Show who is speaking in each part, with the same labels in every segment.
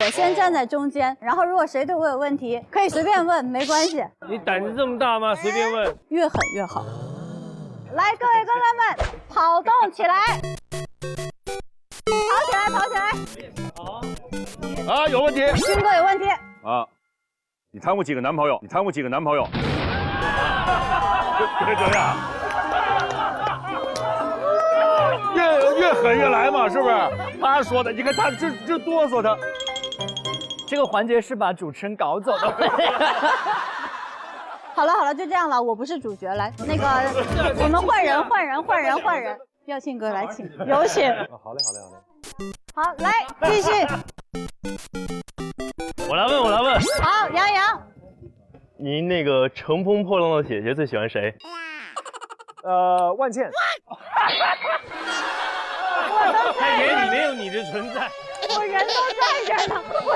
Speaker 1: 先站在中间，然后如果谁对我有问题，可以随便问，没关系。
Speaker 2: 你胆子这么大吗？随便问。
Speaker 1: 越狠越好。来，各位哥哥们，跑动起来，跑起来，跑起来。
Speaker 3: 啊，有问题。
Speaker 1: 军哥有问题。
Speaker 3: 啊，你谈过几个男朋友？你谈过几个男朋友？别这样。越狠越来嘛，是不是？他说的，你看他这哆嗦他。
Speaker 4: 这个环节是把主持人搞走的。
Speaker 1: 好了好了，就这样了，我不是主角，来，那个我们换人。耀庆哥来，请有请。
Speaker 3: 好嘞。
Speaker 1: 好，来继续。
Speaker 2: 我来问。
Speaker 1: 好，杨洋。
Speaker 2: 您那个乘风破浪的姐姐最喜欢谁？
Speaker 5: 万茜。
Speaker 2: 在眼里没有你的存在。
Speaker 1: 我人都在这儿呢，我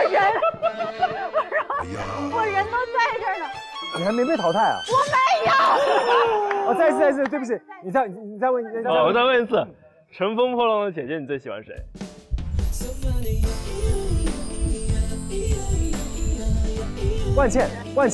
Speaker 1: 人都在这儿呢。
Speaker 5: 你还没被淘汰啊？
Speaker 1: 我没有。
Speaker 5: 哦，再一次，对不起，你再问，
Speaker 2: 我再问一次，乘风破浪的姐姐你最喜欢谁？
Speaker 5: 万茜。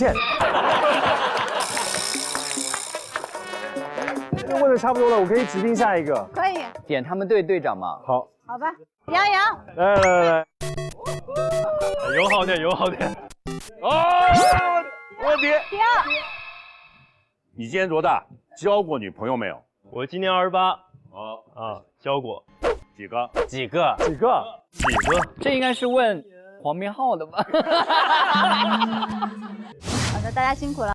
Speaker 5: 这问的差不多了，我可以指定下一个。
Speaker 1: 可以。
Speaker 4: 点他们队队长嘛。
Speaker 5: 好。
Speaker 1: 好吧，杨洋。
Speaker 5: 来。
Speaker 2: 友好点。
Speaker 3: 哦，问题。
Speaker 1: 第二。
Speaker 3: 你今年多大？交过女朋友没有？
Speaker 2: 我今年28。交过。
Speaker 3: 几个？
Speaker 4: 这应该是问黄明昊的吧？
Speaker 1: 好的，大家辛苦了。